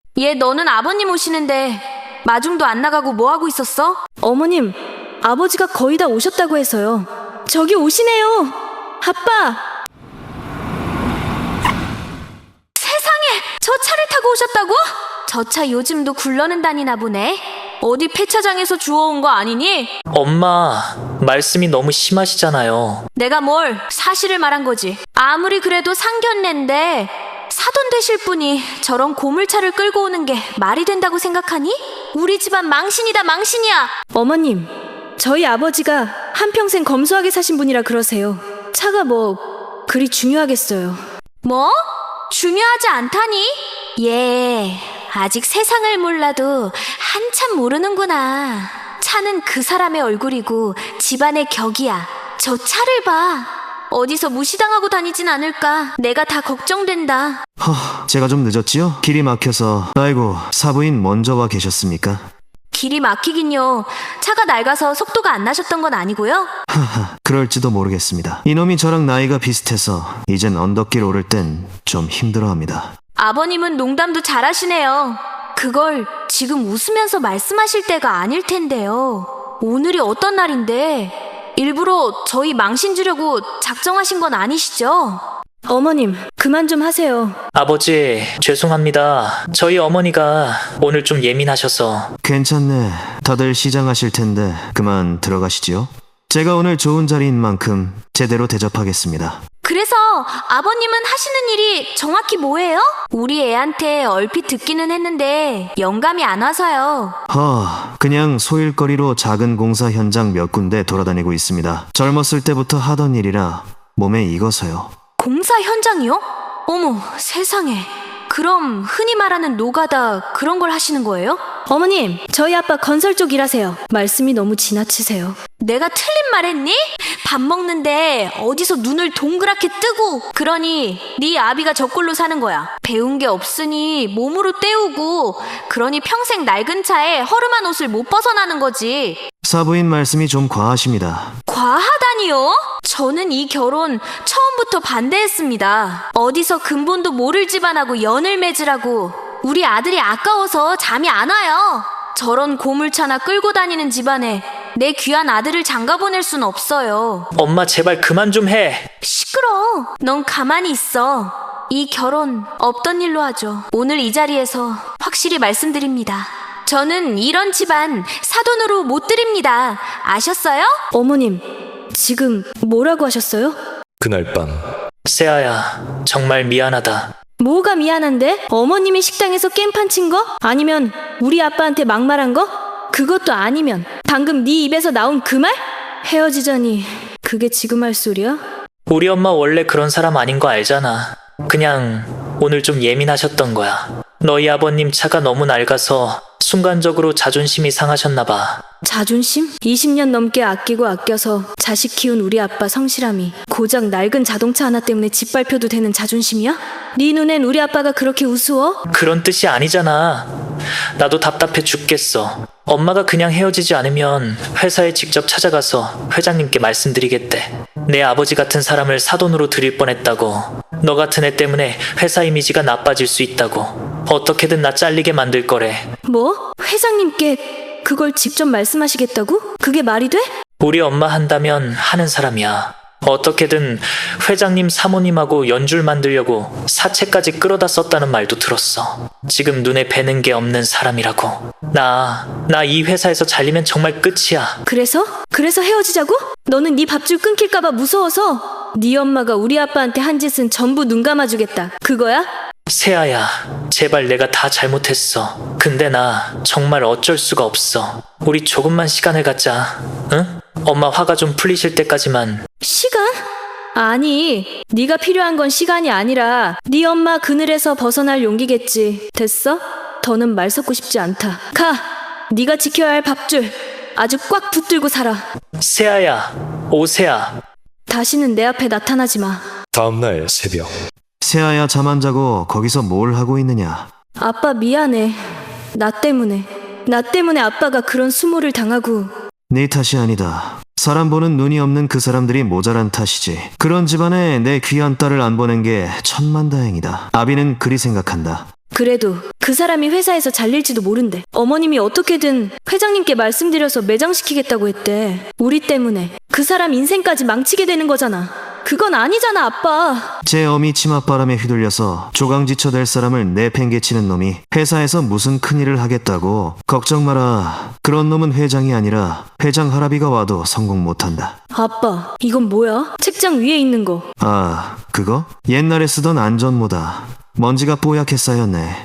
얘 너는 아버님 오시는데 마중도 안 나가고 뭐 하고 있었어? 어머님, 아버지가 거의 다 오셨다고 해서요. 저기 오시네요. 아빠! 세상에! 저 차를 타고 오셨다고? 저 차 요즘도 굴러는 다니나 보네. 어디 폐차장에서 주워온 거 아니니? 엄마, 말씀이 너무 심하시잖아요. 내가 뭘 사실을 말한 거지. 아무리 그래도 상견례인데 사돈 되실 분이 저런 고물차를 끌고 오는 게 말이 된다고 생각하니? 우리 집안 망신이다 망신이야. 어머님, 저희 아버지가 한평생 검소하게 사신 분이라 그러세요. 차가 뭐 그리 중요하겠어요. 뭐? 중요하지 않다니? 예, 아직 세상을 몰라도 한참 모르는구나. 차는 그 사람의 얼굴이고 집안의 격이야. 저 차를 봐. 어디서 무시당하고 다니진 않을까. 내가 다 걱정된다. 제가 좀 늦었지요? 길이 막혀서. 아이고, 사부인 먼저 와 계셨습니까? 길이 막히긴요. 차가 낡아서 속도가 안 나셨던 건 아니고요. 그럴지도 모르겠습니다. 이놈이 저랑 나이가 비슷해서 이젠 언덕길 오를 땐 좀 힘들어합니다. 아버님은 농담도 잘하시네요. 그걸 지금 웃으면서 말씀하실 때가 아닐 텐데요. 오늘이 어떤 날인데 일부러 저희 망신 주려고 작정하신 건 아니시죠? 어머님, 그만 좀 하세요. 아버지, 죄송합니다. 저희 어머니가 오늘 좀 예민하셔서. 괜찮네. 다들 시장하실 텐데 그만 들어가시지요. 제가 오늘 좋은 자리인 만큼 제대로 대접하겠습니다. 그래서 아버님은 하시는 일이 정확히 뭐예요? 우리 애한테 얼핏 듣기는 했는데 영감이 안 와서요. 그냥 소일거리로 작은 공사 현장 몇 군데 돌아다니고 있습니다. 젊었을 때부터 하던 일이라 몸에 익어서요. 공사 현장이요? 어머, 세상에. 그럼 흔히 말하는 노가다 그런 걸 하시는 거예요? 어머님, 저희 아빠 건설 쪽 일하세요. 말씀이 너무 지나치세요. 내가 틀린 말 했니? 밥 먹는데 어디서 눈을 동그랗게 뜨고 그러니 네 아비가 저꼴로 사는 거야. 배운 게 없으니 몸으로 때우고 그러니 평생 낡은 차에 허름한 옷을 못 벗어나는 거지. 사부인 말씀이 좀 과하십니다. 과하다니요? 저는 이 결혼 처음부터 반대했습니다. 어디서 근본도 모를 집안하고 연을 맺으라고. 우리 아들이 아까워서 잠이 안 와요. 저런 고물차나 끌고 다니는 집안에 내 귀한 아들을 장가보낼 순 없어요. 엄마, 제발 그만 좀 해. 시끄러. 넌 가만히 있어. 이 결혼 없던 일로 하죠. 오늘 이 자리에서 확실히 말씀드립니다. 저는 이런 집안 사돈으로 못 드립니다. 아셨어요? 어머님, 지금 뭐라고 하셨어요? 그날 밤 세아야, 정말 미안하다. 뭐가 미안한데? 어머님이 식당에서 깽판 친 거? 아니면 우리 아빠한테 막말한 거? 그것도 아니면 방금 네 입에서 나온 그 말? 헤어지자니 그게 지금 할 소리야? 우리 엄마 원래 그런 사람 아닌 거 알잖아. 그냥 오늘 좀 예민하셨던 거야. 너희 아버님 차가 너무 낡아서 순간적으로 자존심이 상하셨나 봐. 자존심? 20년 넘게 아끼고 아껴서 자식 키운 우리 아빠 성실함이 고작 낡은 자동차 하나 때문에 짓밟혀도 되는 자존심이야? 네 눈엔 우리 아빠가 그렇게 우스워? 그런 뜻이 아니잖아. 나도 답답해 죽겠어. 엄마가 그냥 헤어지지 않으면 회사에 직접 찾아가서 회장님께 말씀드리겠대. 내 아버지 같은 사람을 사돈으로 들일 뻔했다고. 너 같은 애 때문에 회사 이미지가 나빠질 수 있다고. 어떻게든 나 잘리게 만들 거래. 뭐? 회장님께 그걸 직접 말씀하시겠다고? 그게 말이 돼? 우리 엄마 한다면 하는 사람이야. 어떻게든 회장님 사모님하고 연줄 만들려고 사채까지 끌어다 썼다는 말도 들었어. 지금 눈에 뵈는 게 없는 사람이라고. 나 이 회사에서 잘리면 정말 끝이야. 그래서? 그래서 헤어지자고? 너는 네 밥줄 끊길까봐 무서워서 네 엄마가 우리 아빠한테 한 짓은 전부 눈 감아주겠다. 그거야? 세아야, 제발 내가 다 잘못했어. 근데 나 정말 어쩔 수가 없어. 우리 조금만 시간을 갖자. 응? 엄마 화가 좀 풀리실 때까지만. 시간? 아니, 네가 필요한 건 시간이 아니라 네 엄마 그늘에서 벗어날 용기겠지. 됐어? 더는 말 섞고 싶지 않다. 가! 네가 지켜야 할 밥줄 아주 꽉 붙들고 살아. 세아야, 오세아. 다시는 내 앞에 나타나지 마. 다음날 새벽 세아야, 잠 안 자고 거기서 뭘 하고 있느냐? 아빠 미안해. 나 때문에 아빠가 그런 수모를 당하고. 네 탓이 아니다. 사람 보는 눈이 없는 그 사람들이 모자란 탓이지. 그런 집안에 내 귀한 딸을 안 보낸 게 천만다행이다. 아비는 그리 생각한다. 그래도 그 사람이 회사에서 잘릴지도 모른대. 어머님이 어떻게든 회장님께 말씀드려서 매장시키겠다고 했대. 우리 때문에 그 사람 인생까지 망치게 되는 거잖아. 그건 아니잖아, 아빠. 제 어미 치맛바람에 휘둘려서 조강지처 될 사람을 내팽개치는 놈이 회사에서 무슨 큰일을 하겠다고. 걱정 마라. 그런 놈은 회장이 아니라 회장 할아비가 와도 성공 못한다. 아빠, 이건 뭐야? 책장 위에 있는 거. 아, 그거? 옛날에 쓰던 안전모다. 먼지가 뽀얗게 쌓였네.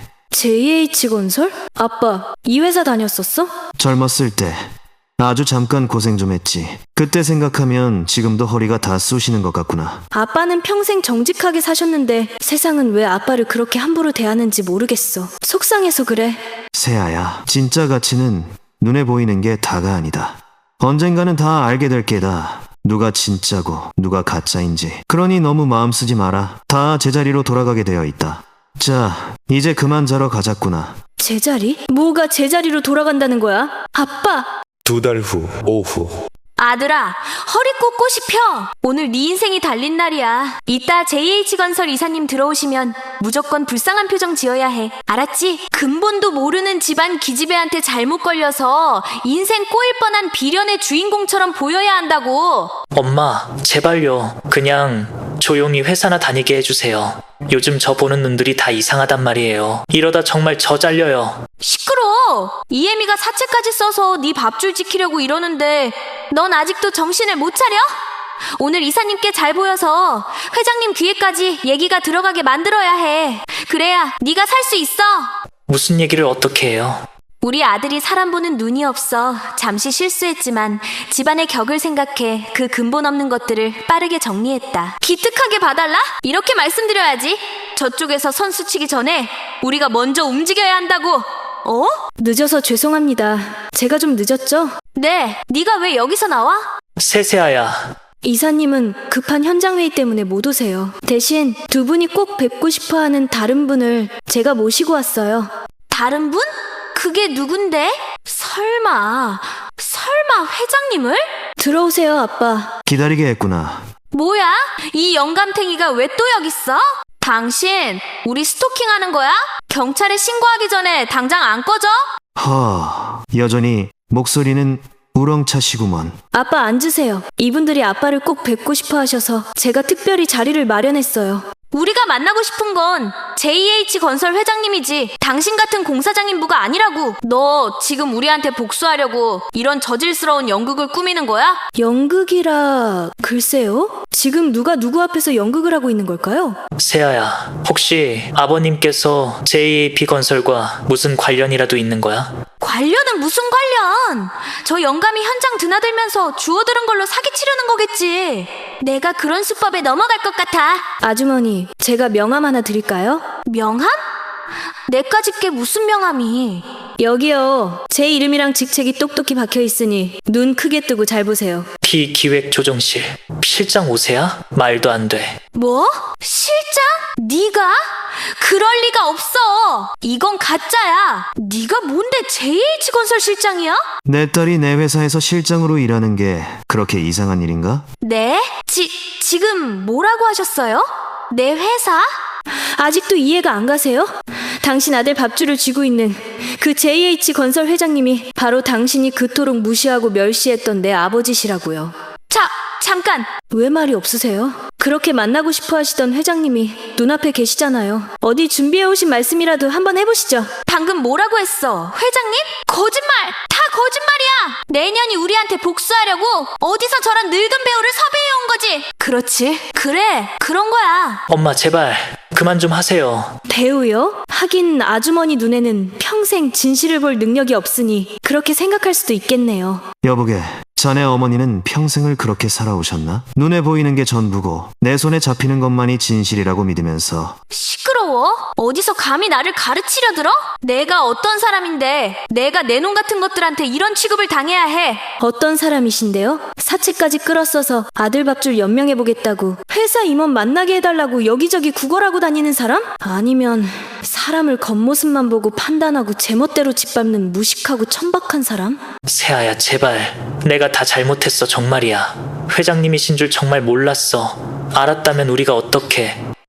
JH건설? 아빠, 이 회사 다녔었어? 젊었을 때 아주 잠깐 고생 좀 했지. 그때 생각하면 지금도 허리가 다 쑤시는 것 같구나. 아빠는 평생 정직하게 사셨는데 세상은 왜 아빠를 그렇게 함부로 대하는지 모르겠어. 속상해서 그래. 세아야, 진짜 가치는 눈에 보이는 게 다가 아니다. 언젠가는 다 알게 될 게다. 누가 진짜고 누가 가짜인지. 그러니 너무 마음 쓰지 마라. 다 제자리로 돌아가게 되어 있다. 자, 이제 그만 자러 가자꾸나. 제자리? 뭐가 제자리로 돌아간다는 거야? 아빠! 2달 후 오후 아들아, 허리 꼿꼿이 펴. 오늘 네 인생이 달린 날이야. 이따 JH건설 이사님 들어오시면 무조건 불쌍한 표정 지어야 해. 알았지? 근본도 모르는 집안 기집애한테 잘못 걸려서 인생 꼬일 뻔한 비련의 주인공처럼 보여야 한다고. 엄마, 제발요. 그냥 조용히 회사나 다니게 해주세요. 요즘 저 보는 눈들이 다 이상하단 말이에요. 이러다 정말 저 잘려요. 시끄러. 이혜미가 사채까지 써서 네 밥줄 지키려고 이러는데 넌 아직도 정신을 못 차려? 오늘 이사님께 잘 보여서 회장님 귀에까지 얘기가 들어가게 만들어야 해. 그래야 네가 살 수 있어. 무슨 얘기를 어떻게 해요? 우리 아들이 사람 보는 눈이 없어 잠시 실수했지만 집안의 격을 생각해 그 근본 없는 것들을 빠르게 정리했다. 기특하게 봐달라? 이렇게 말씀드려야지. 저쪽에서 선수 치기 전에 우리가 먼저 움직여야 한다고. 어? 늦어서 죄송합니다. 제가 좀 늦었죠? 네, 네가 왜 여기서 나와? 세세아야. 이사님은 급한 현장회의 때문에 못 오세요. 대신 두 분이 꼭 뵙고 싶어하는 다른 분을 제가 모시고 왔어요. 다른 분? 그게 누군데? 설마 회장님을? 들어오세요, 아빠. 기다리게 했구나. 뭐야? 이 영감탱이가 왜 또 여기 있어? 당신 우리 스토킹하는 거야? 경찰에 신고하기 전에 당장 안 꺼져? 여전히 목소리는 우렁차시구먼. 아빠 앉으세요. 이분들이 아빠를 꼭 뵙고 싶어 하셔서 제가 특별히 자리를 마련했어요. 우리가 만나고 싶은 건 JH건설 회장님이지 당신 같은 공사장 인부가 아니라고. 너 지금 우리한테 복수하려고 이런 저질스러운 연극을 꾸미는 거야? 연극이라... 글쎄요? 지금 누가 누구 앞에서 연극을 하고 있는 걸까요? 세아야, 혹시 아버님께서 JAP건설과 무슨 관련이라도 있는 거야? 관련은 무슨 관련? 저 영감이 현장 드나들면서 주워들은 걸로 사기치려는 거겠지. 내가 그런 수법에 넘어갈 것 같아. 아주머니, 제가 명함 하나 드릴까요? 명함? 내까지 게 무슨 명함이? 여기요. 제 이름이랑 직책이 똑똑히 박혀 있으니 눈 크게 뜨고 잘 보세요. 피기획조정실. 실장 오세야? 말도 안 돼. 뭐? 실장? 네가? 그럴 리가 없어. 이건 가짜야. 네가 뭔데 JH건설 실장이야? 내 딸이 내 회사에서 실장으로 일하는 게 그렇게 이상한 일인가? 네? 지금 뭐라고 하셨어요? 내 회사? 아직도 이해가 안 가세요? 당신 아들 밥줄을 쥐고 있는 그 JH건설 회장님이 바로 당신이 그토록 무시하고 멸시했던 내 아버지시라고요. 잠깐. 왜 말이 없으세요? 그렇게 만나고 싶어 하시던 회장님이 눈앞에 계시잖아요. 어디 준비해 오신 말씀이라도 한번 해보시죠. 방금 뭐라고 했어? 회장님? 거짓말! 다 거짓말이야! 내년이 우리한테 복수하려고 어디서 저런 늙은 배우를 섭외해온 거지? 그렇지. 그래, 그런 거야. 엄마, 제발 그만 좀 하세요. 배우요? 하긴 아주머니 눈에는 평생 진실을 볼 능력이 없으니 그렇게 생각할 수도 있겠네요. 여보게, 자네 어머니는 평생을 그렇게 살아오셨나? 눈에 보이는 게 전부고 내 손에 잡히는 것만이 진실이라고 믿으면서. 시끄러워? 어디서 감히 나를 가르치려 들어? 내가 어떤 사람인데 내가 내 놈 같은 것들한테 이런 취급을 당해야 해. 어떤 사람이신데요? 사채까지 끌어써서 아들 밥줄 연명해보겠다고 회사 임원 만나게 해달라고 여기저기 구걸하고 다니는 사람? 아니면 사람을 겉모습만 보고 판단하고 제멋대로 짓밟는 무식하고 천박한 사람? 세아야, 제발. 내가 다 잘못했어, 정말이야. 회장님이신 줄 정말 몰랐어. 알았다면 우리가 어떻게...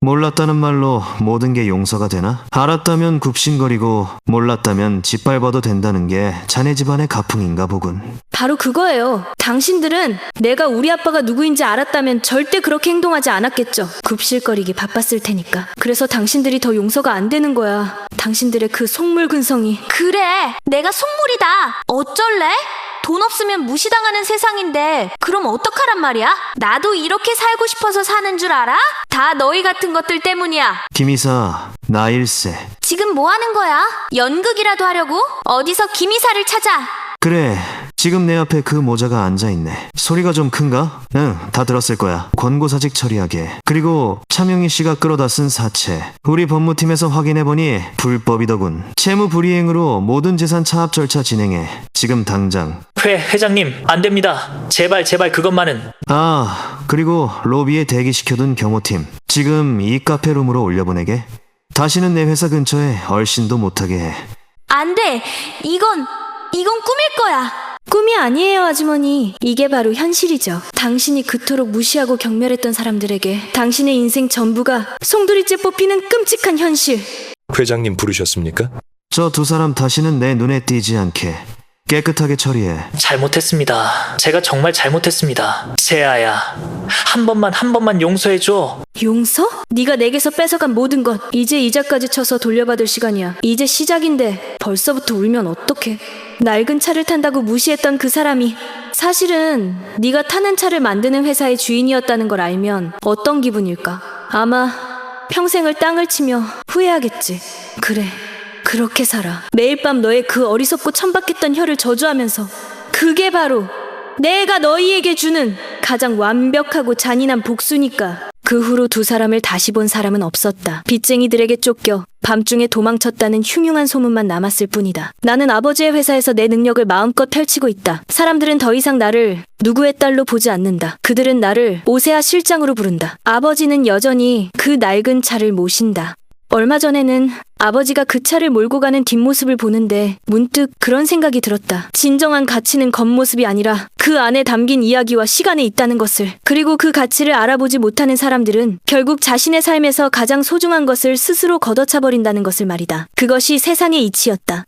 몰랐다는 말로 모든 게 용서가 되나? 알았다면 굽신거리고 몰랐다면 짓밟아도 된다는 게 자네 집안의 가풍인가 보군. 바로 그거예요. 당신들은 내가 우리 아빠가 누구인지 알았다면 절대 그렇게 행동하지 않았겠죠. 굽실거리기 바빴을 테니까. 그래서 당신들이 더 용서가 안 되는 거야. 당신들의 그 속물근성이. 그래, 내가 속물이다. 어쩔래? 돈 없으면 무시당하는 세상인데 그럼 어떡하란 말이야? 나도 이렇게 살고 싶어서 사는 줄 알아? 다 너희 같은 것들 때문이야. 김이사, 나일세. 지금 뭐 하는 거야? 연극이라도 하려고? 어디서 김이사를 찾아? 그래, 지금 내 앞에 그 모자가 앉아있네. 소리가 좀 큰가? 응, 다 들었을 거야. 권고사직 처리하게. 그리고 차명희 씨가 끌어다 쓴 사채. 우리 법무팀에서 확인해보니 불법이더군. 채무 불이행으로 모든 재산 차압 절차 진행해. 지금 당장. 회장님, 안 됩니다. 제발 그것만은. 아, 그리고 로비에 대기시켜둔 경호팀. 지금 이 카페룸으로 올려보내게. 다시는 내 회사 근처에 얼씬도 못하게 해. 안 돼. 이건 꿈일 거야. 꿈이 아니에요, 아주머니. 이게 바로 현실이죠. 당신이 그토록 무시하고 경멸했던 사람들에게 당신의 인생 전부가 송두리째 뽑히는 끔찍한 현실. 회장님 부르셨습니까? 저 두 사람 다시는 내 눈에 띄지 않게 깨끗하게 처리해. 잘못했습니다. 제가 정말 잘못했습니다. 세아야, 한 번만 용서해줘. 용서? 네가 내게서 뺏어간 모든 것 이제 이자까지 쳐서 돌려받을 시간이야. 이제 시작인데 벌써부터 울면 어떡해. 낡은 차를 탄다고 무시했던 그 사람이 사실은 네가 타는 차를 만드는 회사의 주인이었다는 걸 알면 어떤 기분일까? 아마 평생을 땅을 치며 후회하겠지. 그래, 그렇게 살아. 매일 밤 너의 그 어리석고 천박했던 혀를 저주하면서. 그게 바로 내가 너희에게 주는 가장 완벽하고 잔인한 복수니까. 그 후로 두 사람을 다시 본 사람은 없었다. 빚쟁이들에게 쫓겨 밤중에 도망쳤다는 흉흉한 소문만 남았을 뿐이다. 나는 아버지의 회사에서 내 능력을 마음껏 펼치고 있다. 사람들은 더 이상 나를 누구의 딸로 보지 않는다. 그들은 나를 오세아 실장으로 부른다. 아버지는 여전히 그 낡은 차를 모신다. 얼마 전에는 아버지가 그 차를 몰고 가는 뒷모습을 보는데 문득 그런 생각이 들었다. 진정한 가치는 겉모습이 아니라 그 안에 담긴 이야기와 시간에 있다는 것을. 그리고 그 가치를 알아보지 못하는 사람들은 결국 자신의 삶에서 가장 소중한 것을 스스로 걷어차버린다는 것을 말이다. 그것이 세상의 이치였다.